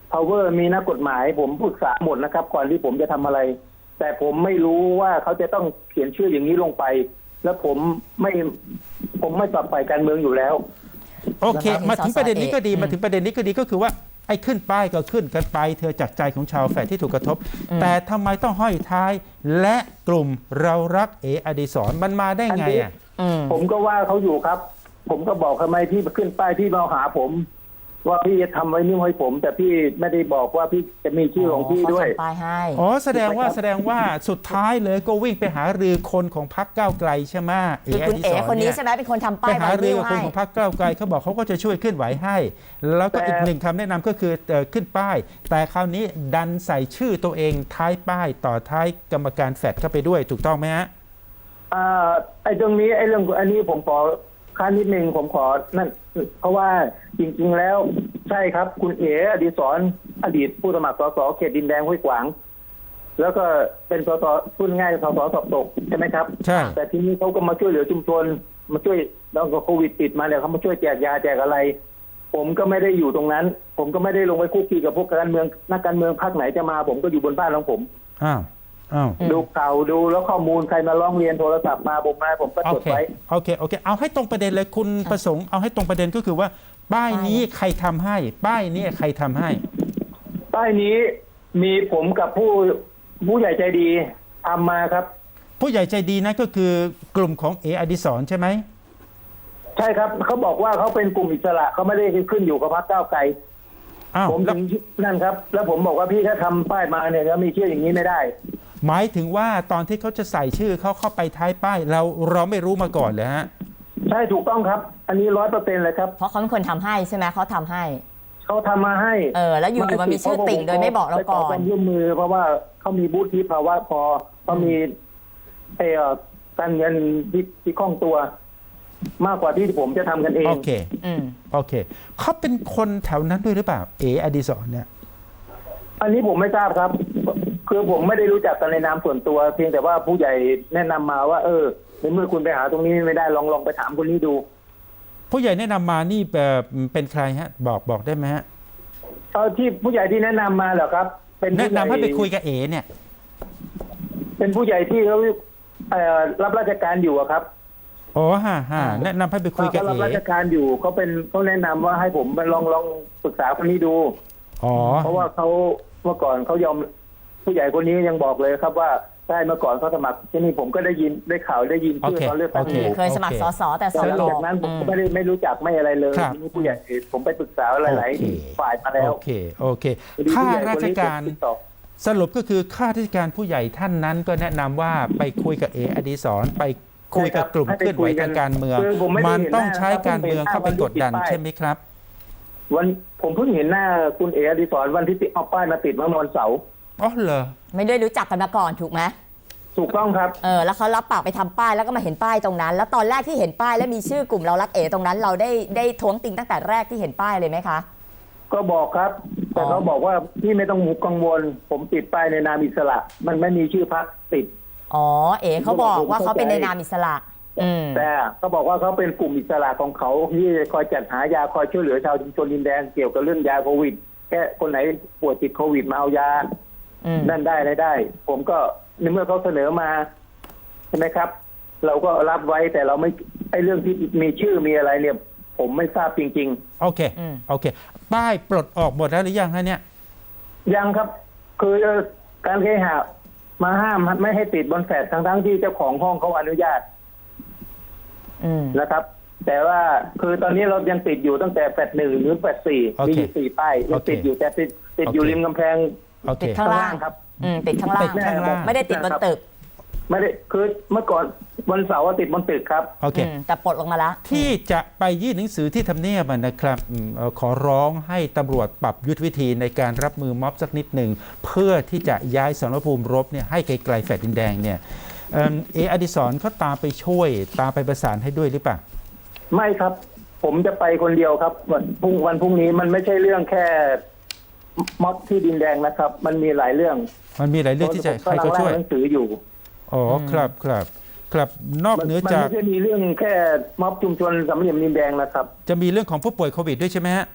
Speaker 3: power มีนักกฎหมาย ผมปรึกษาหมดนะครับ ก่อนที่ผมจะทำอะไร แต่ผมไม่รู้ว่าเขาจะต้องเขียนชื่ออย่างนี้ลงไป แล้วผมไม่ผมไม่ปรับฝ่ายการเมืองอยู่แล้ว
Speaker 1: โอเค
Speaker 2: แล้วก็
Speaker 1: มาถึงประเด็นนี้ก็ดี
Speaker 2: อืม
Speaker 1: มาถึงประเด็นนี้ก็ดีก็คือว่าไอ้ขึ้นป้ายก็ขึ้นกันไปเธอจากใจของชาวแฝดที่ถูกกระทบ แต่ทำไมต้องห้อยท้าย และกลุ่มเรารักเออดิศรมันมาได้ไงอ่ะ
Speaker 2: อืม
Speaker 3: ผมก็ว่าเขาอยู่ครับ ผมก็บอกทำไมพี่ขึ้นป้ายพี่มาหาผม ว่าพี่จะทำไว้นี่ให้ผม แต่พี่ไม่ได้บอกว่าพี่จะมีชื่อของพี่ด้วย
Speaker 2: เขาทำป้ายให้
Speaker 1: อ๋อแสดงว่า
Speaker 3: ถูกไหมครับ
Speaker 1: แสดงว่าสุดท้ายเลยก็วิ่งไปหารือคนของพรรคก้าวไกลใช่ไหมเอ
Speaker 2: คือ
Speaker 1: อ
Speaker 2: คุณ
Speaker 1: ดิ
Speaker 2: เอ๋
Speaker 1: ศร
Speaker 2: คนนี้
Speaker 1: เนี่ย
Speaker 2: ใช่ไหมเป็นคนทำ
Speaker 1: ไป
Speaker 2: ป้าย
Speaker 1: หา
Speaker 2: ไว
Speaker 1: รือ
Speaker 2: นิว
Speaker 1: กับคน
Speaker 2: ให้
Speaker 1: ของพรรคก้าวไกลเขาบอกเขาก็จะช่วยเคลื่อนไหวให้ แล้วก็
Speaker 3: แต่
Speaker 1: อีกหนึ่งคำแนะนำก็คือเอ่อขึ้นป้าย แต่คราวนี้ดันใส่ชื่อตัวเองท้ายป้ายต่อท้ายกรรมการแฟดเข้าไปด้วยถูกต้องไหมฮะ
Speaker 3: อ่าไอ้ตรงนี้ไอ้เรื่องอันนี้ผมขอค้านนิดนึงผมขอนั่นเพราะว่าจริงๆแล้วใช่ครับ คุณเอ๋อดิศรอดีตผู้สมัครสสเขตดินแดงห้วยขวาง แล้วก็เป็นสสพูดง่ายๆสสสอบตกใช่ไหมครับ
Speaker 1: ใช่
Speaker 3: แต่ทีนี้เขาก็มาช่วยเหลือชุมชนมาช่วยแล้วก็โควิดติดมาเนี่ยเขามาช่วยแจกยาแจกอะไร ผมก็ไม่ได้อยู่ตรงนั้น ผมก็ไม่ได้ลงไปคุกคีกับพวกการเมืองนักการเมืองพรรคไหนจะมา ผมก็อยู่บนบ้านของผม
Speaker 1: อ้าวอ้าว
Speaker 3: ดูข่าวดูแล้วข้อมูลใครมาร้องเรียนโทรศัพท์มาผมมาผมก็
Speaker 1: โอ
Speaker 3: จด
Speaker 1: เค
Speaker 3: ไว้
Speaker 1: โอเคโอเคเอาให้ตรงประเด็นเลยคุณประสงค์เอาให้ตรงประเด็นก็คือว่าป้ายนี้ใครทำให้ ป้ายนี้ใครทำให้
Speaker 3: ป้ายนี้มีผมกับผู้ผู้ใหญ่ใจดีทำมาครับ
Speaker 1: ผู้ใหญ่ใจดีนั่นก็คือกลุ่มของเออดิศรใช่ไหม
Speaker 3: ใช่ครับเขาบอกว่าเขาเป็นกลุ่มอิสระเขาไม่ได้ขึ้นอยู่กับพรรคก้าวไกล
Speaker 1: อ้าว
Speaker 3: ผม
Speaker 1: แล้
Speaker 3: ถึ
Speaker 1: ว
Speaker 3: งนั่นครับ แล้วผมบอกว่าพี่ถ้าทำป้ายมาเนี่ยแล้วมีชื่ออย่างนี้ไม่ได้
Speaker 1: หมายถึงว่าตอนที่เขาจะใส่ชื่อเขาเข้าไปท้ายป้ายเราเราไม่รู้มาก่อนเลยฮะ
Speaker 3: ใช่ถูกต้องครับ อันนี้ร้อยเปอร์เซ็นต์เลยครับ
Speaker 2: เพราะเขาเป็นคนทำให้ใช่ไหมเขาทำให้
Speaker 3: เขาทำมาให้
Speaker 2: เออแล้วอยู่ๆมันมีชื่อติ่งโดยไม่บอกเราก่อน
Speaker 3: ไปขความร่วมมือเพราะว่าเขามีบูธที่ภาวะพอเขามีเอ่อการเงินที่ที่คล่องตัว มากกว่าที่ผมจะทำกันเอง
Speaker 1: โอเค
Speaker 2: อืม
Speaker 1: โอเคเขาเป็นคนแถวนั้นด้วยหรือเปล่าเออดิศรเนี่ย
Speaker 3: อันนี้ผมไม่ทราบครับ คือผมไม่ได้รู้จักกันในนามส่วนตัว เพียงแต่ว่าผู้ใหญ่แนะนำมาว่า เออในเมื่อคุณไปหาตรงนี้ไม่ได้ลองลองไปถามคนนี้ดู
Speaker 1: ผู้ใหญ่แนะนำมานี่แบบเป็นใครฮะบอกบอกได้ไหมฮะ
Speaker 3: เออที่ผู้ใหญ่ที่แนะนำมาเหรอครับ เป็น
Speaker 1: แนะ
Speaker 3: ผู้ใหญ่
Speaker 1: นำให้ไปคุยกับเอเนี่ย
Speaker 3: เป็นผู้ใหญ่ที่เขาเอ่อรับราชการอยู่อะครับ
Speaker 1: อ๋อฮ่าฮ่าแนะนำให้ไปคุยกับ
Speaker 3: เขา
Speaker 1: เอ
Speaker 3: รับราชการอยู่เขาเป็นเขาแนะนำว่าให้ผมไปลองลองปรึกษาคนนี้ดู
Speaker 1: อ๋อ
Speaker 3: เพราะว่าเขาเมื่อก่อนเขายอมผู้ใหญ่คนนี้ยังบอกเลยครับว่าใช่เมื่อก่อนเขาสมัครที่นี่ผมก็ได้ยินได้ข่าวได้ยินชื่อตอนเลือกตั้งอยู่
Speaker 2: เคยสมัครสสแต่ส
Speaker 3: แต่หลัง
Speaker 2: ล
Speaker 3: จากนั้นผมก็ไม่ได้ไม่รู้จักไม่อะไรเลย
Speaker 1: ครับ
Speaker 3: ทีนี้ผู้ใหญ่ผมไปปรึกษาหลาย
Speaker 1: โอเค
Speaker 3: ๆฝ่ายมาแล้ว
Speaker 1: โอเคโอเค
Speaker 3: พอดี
Speaker 1: ข้า
Speaker 3: ผู้ใหญ่
Speaker 1: รา
Speaker 3: คน
Speaker 1: ช
Speaker 3: นี้
Speaker 1: การ
Speaker 3: ติดต่อ
Speaker 1: สรุปก็คือข้าราชการผู้ใหญ่ท่านนั้นก็แนะนำว่าไปคุยกับเออดิศรไปคุยกับกลุ่มเคลื่อนไหวทางการเมือง
Speaker 3: คือผมไม่ได้
Speaker 1: มัน
Speaker 3: เห็นห
Speaker 1: ต้อง
Speaker 3: น้า
Speaker 1: ใช้การเมืองเข้าไปกดดัน
Speaker 3: ป้าย
Speaker 1: ใช่ไหมครับ
Speaker 3: วันผมเพิ่งเห็นหน้าคุณเอ๋อดิศรวันที่ติดเอาป้ายมาติดเมื่อวันเสาร์
Speaker 1: อ๋อเหรอ
Speaker 2: ไม่ได้รู้จักกันมาก่อนถูกไหม
Speaker 3: ถูกต้องครับ
Speaker 2: เออแล้วเขารับปากไปทำป้ายแล้วก็มาเห็นป้ายตรงนั้น แล้วตอนแรกที่เห็นป้ายแล้วมีชื่อกลุ่มเรารักเอ๋ตรงนั้น เราได้ได้ท้วงติงตั้งแต่แรกที่เห็นป้ายเลยไหมคะ
Speaker 3: ก็บอกครับ แต่
Speaker 2: อ๋อ
Speaker 3: เขาบอกว่าพี่ไม่ต้องกังวล ผมติดป้ายในนามอิสระ มันไม่มีชื่อพรรคติด
Speaker 2: อ๋อเอ๋เขาบอกว่าเขาเป็นในนามอิสระ อืม
Speaker 3: แต่เขาบอกว่าเขาเป็นกลุ่มอิสระของเขาที่คอยจัดหายาคอยช่วยเหลือชาวชุมชนดินแดงเกี่ยวกับเรื่องยาโควิดแค่คนไหนป่วยติดโควิดมาเอายา
Speaker 2: อืม
Speaker 3: นั่นได้ได้ได้ ผมก็ในเมื่อเขาเสนอมาใช่ไหมครับ เราก็รับไว้แต่เราไม่ไอ้เรื่องที่มีชื่อมีอะไรเนี่ย ผมไม่ทราบจริง
Speaker 1: โอเค
Speaker 2: อืม
Speaker 1: โอเค ป้ายปลดออกหมดแล้วหรือยังฮะเนี่ย
Speaker 3: ๆ ยังครับ คือการเคหะมาห้ามไม่ให้ติดบนแฟลตทั้งทั้งๆที่เจ้าของห้องเขาอนุญาต
Speaker 2: อืม
Speaker 3: นะครับ แต่ว่าคือตอนนี้เรายังติดอยู่ตั้งแต่แฟลตหนึ่งหรือแฟลตสี่
Speaker 1: โอเค
Speaker 3: มีอยู่สี่ป้ายยังติดอยู่แต่ติดติดอยู่
Speaker 1: โอเค
Speaker 3: ริมกำแพง
Speaker 1: โอเค
Speaker 2: ติดข้างล่าง
Speaker 3: ครับ
Speaker 2: อืมติดข้างล่าง
Speaker 1: ติดข้างล่าง
Speaker 2: ไม่ได้ติดบนตึก
Speaker 3: ไม่ได้คือเมื่อก่อนวันเสาร์ว่าติดบนตึกครับ
Speaker 1: โอเค
Speaker 2: อืมแต่ปลดลงมาแล้ว
Speaker 1: ที่จะไปยื่นหนังสือที่ทำเนียบอะนะครับอืมเอ่อขอร้องให้ตำรวจปรับยุทธวิธีในการรับมือม็อบสักนิดหนึ่ง เพื่อที่จะย้ายสรรภูมิรบเนี่ยให้ไกลๆแฟลตดินแดงเนี่ยเอิ่มเออดิศรเขาตามไปช่วย ตามไปประสานให้ด้วยหรือเปล่า
Speaker 3: ไม่ครับ ผมจะไปคนเดียวครับวันพรุ่งวันพรุ่งนี้มันไม่ใช่เรื่องแค่ม็อบที่ดินแดงนะครับ มันมีหลายเรื่อง
Speaker 1: มันมีหลายเรื่องที่จะ
Speaker 3: ผม
Speaker 1: ให้
Speaker 3: กำลั
Speaker 1: เขา
Speaker 3: งร่า
Speaker 1: ช่วย
Speaker 3: งหนังสืออยู่
Speaker 1: อ๋อครับครับครับนอก
Speaker 3: มัน
Speaker 1: เหนือ
Speaker 3: มัน
Speaker 1: จาก
Speaker 3: ไม่ใช่มีเรื่องแค่ม็อบชุมชนสามเหลี่ยมดินแดงนะครับ
Speaker 1: จะมีเรื่องของผู้ป่วยโควิดด้วยใช่ไหมฮะ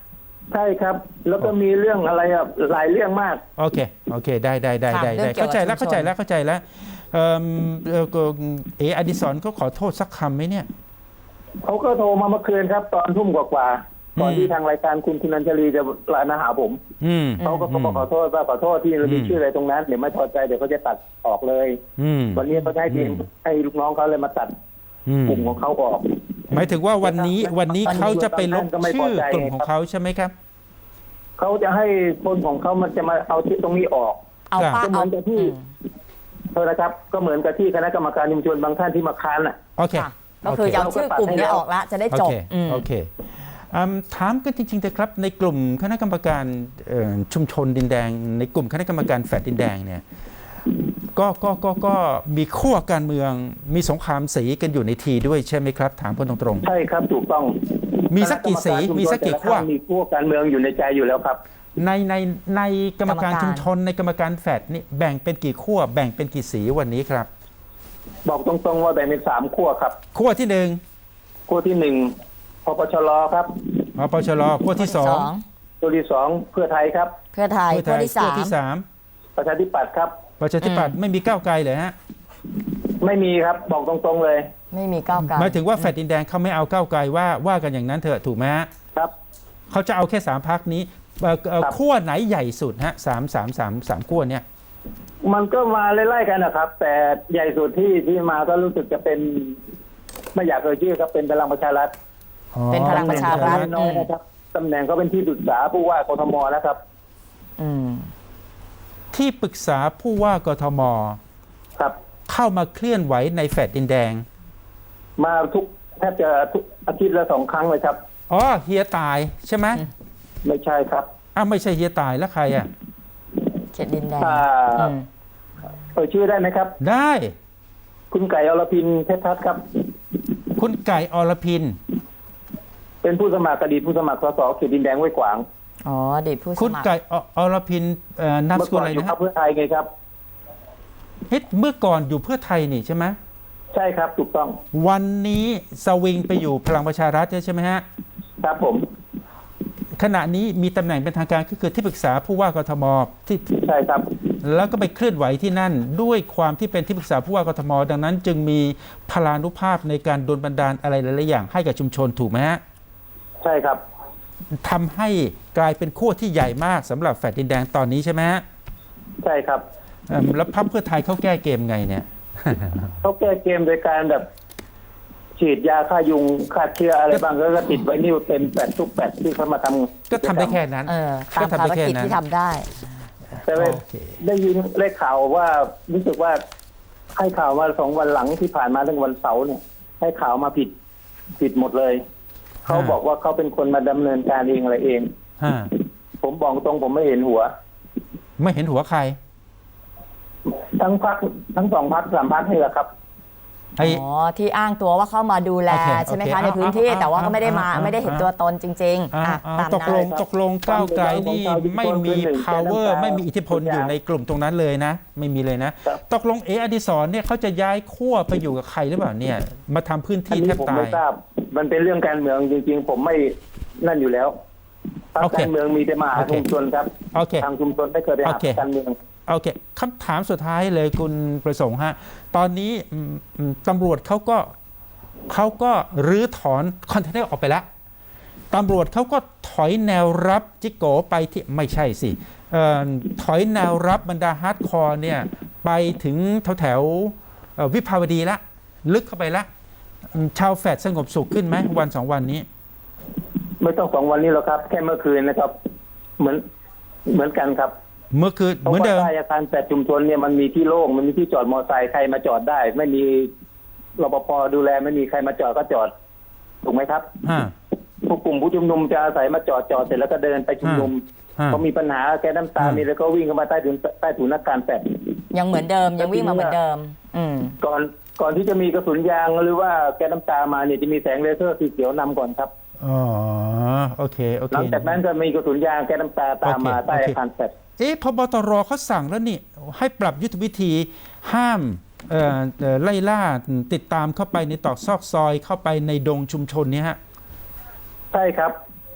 Speaker 3: ใช่ครับ แล้วก็มีเรื่องอะไรอ่ะหลายเรื่องมาก
Speaker 1: โอเคโอเคได้ได้ได้
Speaker 2: ค่ะ
Speaker 1: ได้
Speaker 2: เรื่
Speaker 1: ได้
Speaker 2: องเกี่ยว
Speaker 1: เข้าใจแล้ว
Speaker 2: กับชุมชน
Speaker 1: เข้าใจแล้วเข้าใจแล้วเอิ่มเอ่อก็เอออดิศรเขาขอโทษสักคำไหมเนี่ย
Speaker 3: เขาก็โทรมาเมื่อคืนครับ ตอนทุ่มกว่าๆก่อน
Speaker 1: อืม
Speaker 3: ที่ทางรายการคุณคุณอัญชลีจะไลน์มาหาผม
Speaker 1: อืม
Speaker 3: เขาก็บอกขอโทษว่าขอโทษที่เรามี
Speaker 1: อืม
Speaker 3: ชื่ออะไรตรงนั้นเดี๋ยวไม่พอใจเดี๋ยวเขาจะตัดออกเลย
Speaker 1: อืม
Speaker 3: วันนี้เขาให้ทีม
Speaker 1: อืม
Speaker 3: ให้ลูกน้องเขาเลยมาตัด
Speaker 1: อืม
Speaker 3: กลุ่มของเขาออก
Speaker 1: หมายถึงว่าวันนี้วันนี้
Speaker 3: วันนี้
Speaker 1: เขาจะไปลบ
Speaker 3: ก็ไม่พ
Speaker 1: ชื่
Speaker 3: อ
Speaker 1: อ
Speaker 3: ใจ
Speaker 1: กลุ่มของเขาใช่ไหมครับ
Speaker 3: เขาจะให้คนของเขามันจะมาเอาที่ตรงนี้ออก
Speaker 2: เอา
Speaker 1: ครับ
Speaker 2: ป้า
Speaker 3: ก็เหมื
Speaker 2: เอา
Speaker 3: อนกับที่
Speaker 2: อืม
Speaker 3: เท่านะครับ ก็เหมือนกับที่คณะกรรมการชุมชนบางท่านที่มาค้านอ่ะ
Speaker 1: โอเค
Speaker 2: ค่ะก็คือจะเอาชื่อกลุ่มเนี้ออกละจะได้
Speaker 1: โอ
Speaker 2: จบ
Speaker 1: เค
Speaker 2: อืม
Speaker 1: โอเคอืมถามกันจริงๆเถอะครับในกลุ่มคณะกรรมการเอ่อชุมชนดินแดง ในกลุ่มคณะกรรมการแฟลตดินแดงเนี่ยก็ก็ก็ก็มีขั้วการเมืองมีสงครามสีกันอยู่ในทีด้วยใช่ไหมครับ ถามกันตรง
Speaker 3: ใช่ครับถูกต้อง
Speaker 1: มีสักกี่สีมีสักกี่ขั้ว
Speaker 3: คณะรรมารชุมชนแต่ละท่านมีขั้วการเมืองอยู่ในใจอยู่แล้วครับ
Speaker 1: ๆในในในกรรมการ
Speaker 2: กรรมการ
Speaker 1: ชุมชนในกรรมการแฟลตนี่แบ่งเป็นกี่ขั้วแบ่งเป็นกี่สีวันนี้ครับ
Speaker 3: บอกตรงๆว่าแบ่งเป็นสามขั้วครับ
Speaker 1: ขั้วที่หนึ่ง
Speaker 3: ขั้วที่หนึ่งพปชรครับ
Speaker 1: อปชรขั้วที่สอง
Speaker 3: ขั้วที่สองเพื่อไทยครับ
Speaker 2: เพื่อไทย
Speaker 1: เพื่อไท
Speaker 2: ขั้วย ที่
Speaker 1: ขั้
Speaker 2: สาว ม
Speaker 1: ที่สาม
Speaker 3: ประชาธิปัตย์ครับ
Speaker 1: ประชาธิปัตย์ไม่มีก้าวไกลเลยฮะ
Speaker 3: ไม่มีครับบอกตรงๆเลย
Speaker 2: ไม่มีก้าวไกล
Speaker 1: หมายถึงว่าแฟลตดินแดงเขาไม่เอาก้าวไกลว่าว่ากันอย่างนั้นเถอะถูกไหมฮะ
Speaker 3: ครับ
Speaker 1: เขาจะเอาแค่สามพักนี้เอ่อเอ่อ
Speaker 3: ครับ
Speaker 1: ขั้วไหนใหญ่สุดฮะสามสามสามสามขั้วเนี่ย
Speaker 3: มันก็มาไล่ๆกันนะครับ แต่ใหญ่สุดที่ที่มาก็รู้สึกจะเป็น ไม่อยากเอ่ยชื่อครับเป็นพลังประชารัฐ
Speaker 2: เป็นพลังประชารัฐ
Speaker 3: น้อยๆนะครับตำแหน่งเขาเป็นที่ปรึกษาผู้ว่ากทมนะครับ
Speaker 2: อืม
Speaker 1: ที่ปรึกษาผู้ว่ากทม
Speaker 3: ครับ
Speaker 1: เข้ามาเคลื่อนไหวในแฟลตดินแดง
Speaker 3: มาทุกแทบจะทุกอาทิตย์ละสองครั้งเลยครับ
Speaker 1: อ๋อเฮียตายใช่ไหม
Speaker 3: ไม่ใช่ครับ
Speaker 1: อ้าวไม่ใช่เฮียตายแล้วใครอ่ะ
Speaker 2: เขตดินแดง
Speaker 3: อ่า
Speaker 2: อืม
Speaker 3: เอ่ยชื่อได้ไหมครับ
Speaker 1: ได้
Speaker 3: คุณไก่อรพินเพชรทัศน์ครับ
Speaker 1: คุณไก่อรพิน
Speaker 3: เป็นผู้สมัครอดีตผู้สมัครสสเขตดินแดงห้วยขวาง
Speaker 2: อ๋ออดีตผู้ส
Speaker 1: คุณ
Speaker 2: มัคร
Speaker 1: ไก่ออรพินเอ่อนามส
Speaker 3: เมื่อ
Speaker 1: กุล
Speaker 3: ก่อน
Speaker 1: อะไร
Speaker 3: อยู่
Speaker 1: นะ
Speaker 3: พรร
Speaker 1: ฮะ
Speaker 3: คเพื่อไทยไงครับ
Speaker 1: เฮ้ยเมื่อก่อนอยู่เพื่อไทยนี่ใช่ไหม
Speaker 3: ใช่ครับถูกต้อง
Speaker 1: วันนี้สวิงไปอยู่พลังประชารัฐใช่ไหมฮะ
Speaker 3: ครับผม
Speaker 1: ขณะนี้มีตำแหน่งเป็นทางการก็คือที่ปรึกษาผู้ว่ากทมที่
Speaker 3: ใช่ครับ
Speaker 1: แล้วก็ไปเคลื่อนไหวที่นั่น ด้วยความที่เป็นที่ปรึกษาผู้ว่ากทม ดังนั้นจึงมีพลานุภาพในการดลบันดาลอะไรหลายๆอย่างให้กับชุมชนถูกไหมฮะ
Speaker 3: ใช่ครับ
Speaker 1: ทำให้กลายเป็นขั้วที่ใหญ่มากสำหรับแฟลตดินแดงตอนนี้ใช่ไหมฮะ
Speaker 3: ใช่ครับ
Speaker 1: เอิ่มแล้วพรรคเพื่อไทยเขาแก้เกมไงเนี่ย
Speaker 3: เขาแก้เกมโดยการแบบ ฉีดยาฆ่ายุงฆ่าเชื้ออะไรบ้างแล้วก็ติดไวนิลเต็มแปดทุกแปดที่เขามาทำ
Speaker 1: ก็ทำได้แค่นั้น
Speaker 2: เออตาม
Speaker 1: ก็ทำ
Speaker 2: ภา
Speaker 1: ได้
Speaker 2: ร
Speaker 1: แค่
Speaker 2: กิจ
Speaker 1: นั้น
Speaker 2: ที่ทำได้
Speaker 3: แต่ว่า
Speaker 1: โอเค
Speaker 3: ได้ยินได้ข่าวว่ารู้สึกว่าให้ข่าวมาสองวันหลังที่ผ่านมาตั้งวันเสาร์เนี่ย ให้ข่าวมาผิดผิดหมดเลย เขาบอกว่าเขาเป็นคนมาดำเนินการเองอะไรเอง
Speaker 1: ฮะ
Speaker 3: ผมบอกตรงผมไม่เห็นหัว
Speaker 1: ไม่เห็นหัวใคร
Speaker 3: ทั้งพักทั้งสองพักสามพักนี่แหละครับ
Speaker 1: ไอ้
Speaker 2: อ๋อ ที่อ้างตัวว่าเข้ามาดูแล
Speaker 1: โอเค
Speaker 2: ใช่ไหม
Speaker 1: โอเค
Speaker 2: คะในพื้นที่
Speaker 1: เอาเอา
Speaker 2: แต่ว่าก็ไม่ได้มา
Speaker 1: เอาเอา
Speaker 2: ไม่ได้เห็นตัวตนจริง ๆ
Speaker 1: อ่า
Speaker 2: อ่ะ
Speaker 1: อ่า
Speaker 2: ตาม
Speaker 1: ตกล
Speaker 2: นั้น
Speaker 1: งตกลงก้าวไกลนี่
Speaker 3: ความเป็น
Speaker 1: ไม่มี
Speaker 3: ความเป็น
Speaker 1: power
Speaker 3: ความเป็น
Speaker 1: ไม่มีอิทธิพลอยู่ในกลุ่มตรงนั้นเลยนะ ไม่มีเลยนะ
Speaker 3: ครับ
Speaker 1: ตกลงเออดิศรเนี่ยเขาจะย้ายขั้วไปอยู่กับใครหรือเปล่าเนี่ย มาทำพื้น
Speaker 3: อัน
Speaker 1: ที่แท
Speaker 3: นี้
Speaker 1: บ
Speaker 3: ผม
Speaker 1: ตา
Speaker 3: ไม่
Speaker 1: ย
Speaker 3: ทราบ มันเป็นเรื่องการเมืองจริง ๆ ผมไม่นั่นอยู่แล้วพรรค
Speaker 1: โอเค
Speaker 3: การเมืองมีแต่มาหา
Speaker 1: โอเค
Speaker 3: ชุมชนครับ
Speaker 1: โอเค
Speaker 3: ทางชุมชนไม่เคยไปหา
Speaker 1: โอเค
Speaker 3: การเมือง
Speaker 1: โอเคคำถามสุดท้ายเลยคุณประสงค์ฮะ ตอนนี้อืมอืมตำรวจเขาก็เขาก็รื้อถอนคอนเทนเนอร์ออกไปแล้วตำรวจเขาก็ถอยแนวรับจิโกไปที่ไม่ใช่สิเอ่อถอยแนวรับบรรดาฮาร์ดคอร์เนี่ยไปถึงแถวแถวๆเอ่อวิภาวดีละ ลึกเข้าไปละอืมชาวแฟดสงบสุขขึ้นไหมวันสองวันนี้
Speaker 3: ไม่ต้องสองวันนี้หรอกครับ แค่เมื่อคืนนะครับ เหมือนเหมือนกันครับ
Speaker 1: เมื่อคืน
Speaker 3: เพราะ
Speaker 1: เหมือน
Speaker 3: ว่า
Speaker 1: เดิม
Speaker 3: ใต้อาคารแปดชุมชนเนี่ยมันมีที่โล่งมันมีที่จอดมอเตอร์ไซค์ใครมาจอดได้ ไม่มีรปภดูแลไม่มีใครมาจอดก็จอดถูกไหมครับ
Speaker 1: ฮะ
Speaker 3: ผู้กลุ่มผู้ชุมนุมจะอาศัยมาจอดจอดเสร็จแล้วก็เดินไปชุมนุม
Speaker 1: ฮะ
Speaker 3: พอมีปัญหาแกน้ำตา
Speaker 1: ฮะ
Speaker 3: มีแล้วก็วิ่งเข้ามาใต้ถุนใต้ถุนนักการแปด
Speaker 2: ยังเหมือนเดิมยังวิ่งมาเหมือนเดิม อืม
Speaker 3: ก่อนก่อนที่จะมีกระสุนยางหรือว่าแกน้ำตามาเนี่ยจะมีแสงเลเซอร์สีเขียวนำก่อนครับ
Speaker 1: อ๋อโอเคโอเค
Speaker 3: หลังจากนั้นก็มีกระสุนยางแกน้ำตาตามมา
Speaker 1: โอเค
Speaker 3: ใต้
Speaker 1: โอเค
Speaker 3: อาคารแปด
Speaker 1: เอ๊ะพบตรเขาสั่งแล้วนี่ ให้ปรับยุทธวิธีห้ามเอ่อเอ่อไล่ล่าติดตามเข้าไปในตอกซอกซอยเข้าไปในดงชุมชนเนี่ยฮะ
Speaker 3: ใช่ครับ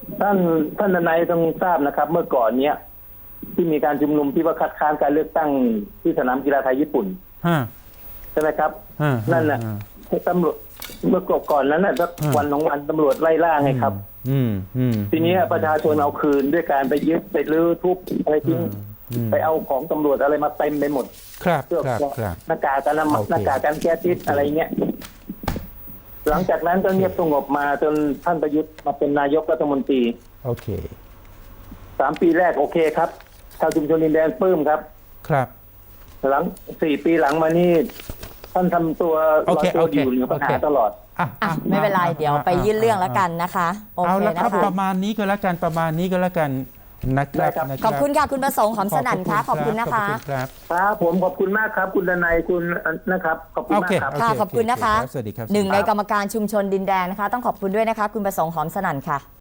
Speaker 3: ท่านท่านนายต้องทราบนะครับ เมื่อก่อนเนี้ยที่มีการชุมนุมที่ว่าคัดค้านการเลือกตั้งที่สนามกีฬาไทยญี่ปุ่น
Speaker 1: ฮะ
Speaker 3: ใช่ไหมครับ
Speaker 1: ฮะ
Speaker 3: นั่นแหละ
Speaker 1: ฮะ
Speaker 3: ตำรวจเมื่อก่อนนั้นน่ะสัก
Speaker 1: อืม
Speaker 3: วันสองวันตำรวจไล่ล่าไงครับ
Speaker 1: อืมอืม
Speaker 3: ทีนี้ประชาชนเอาคืนด้วยการไปยึดไปรื้อทุบอะไรทิ้ง
Speaker 1: อืม
Speaker 3: ไปเอาของตำรวจอะไรมาเต็มไปหมด
Speaker 1: ครับ
Speaker 3: เสื้อ
Speaker 1: ครับครับ
Speaker 3: หน้ากากกันน้ำ
Speaker 1: โอเค
Speaker 3: หน้ากากกันแก๊สพิษอะไรเงี้ยหลังจากนั้นก็เงียบสงบมาจนท่านประยุทธ์มาเป็นนายกรัฐมนตรี
Speaker 1: โอเค
Speaker 3: สามปีแรกโอเคครับชาวชุมชนดินแดนปลื้มครับ
Speaker 1: ครับ
Speaker 3: หลังสี่ปีหลังมานี่ท่านทำตัวล
Speaker 1: โอ
Speaker 3: อย
Speaker 1: เค
Speaker 3: ตัว
Speaker 1: โอเค
Speaker 3: อยู่เหนือปัญหา
Speaker 1: โอเค
Speaker 3: ตลอด
Speaker 1: อ่ะ
Speaker 2: อ่ะไม่เป็นไรเดี๋ยวไปยื่นเรื่องแล้วกันนะคะโอ
Speaker 1: เอา
Speaker 2: เค
Speaker 1: ละ
Speaker 2: นะครับ คะ
Speaker 1: ประมาณนี้ก็แล้วกันประมาณนี้ก็แล้วกันนะครับ
Speaker 3: ได้ครับ
Speaker 1: นะ
Speaker 2: ขอบคุณค่ะคุณประสงค์หอมสนั่นค่ะขอบคุณนะคะ
Speaker 1: ขอบคุณครับ
Speaker 3: ครับผมขอบคุณมากครับ คุณดนัยคุณนะครับขอบคุณ
Speaker 1: โอ
Speaker 3: มาก
Speaker 1: เค
Speaker 3: ครับ
Speaker 1: โเ
Speaker 2: ค่ะขอบคุณนะคะ
Speaker 1: โเรับสวัสดีครับ
Speaker 2: หนึ่งในกรรมการชุมชนดินแดนนะคะ ต้องขอบคุณด้วยนะคะ คุณประสงค์หอมสนั่นค่ะ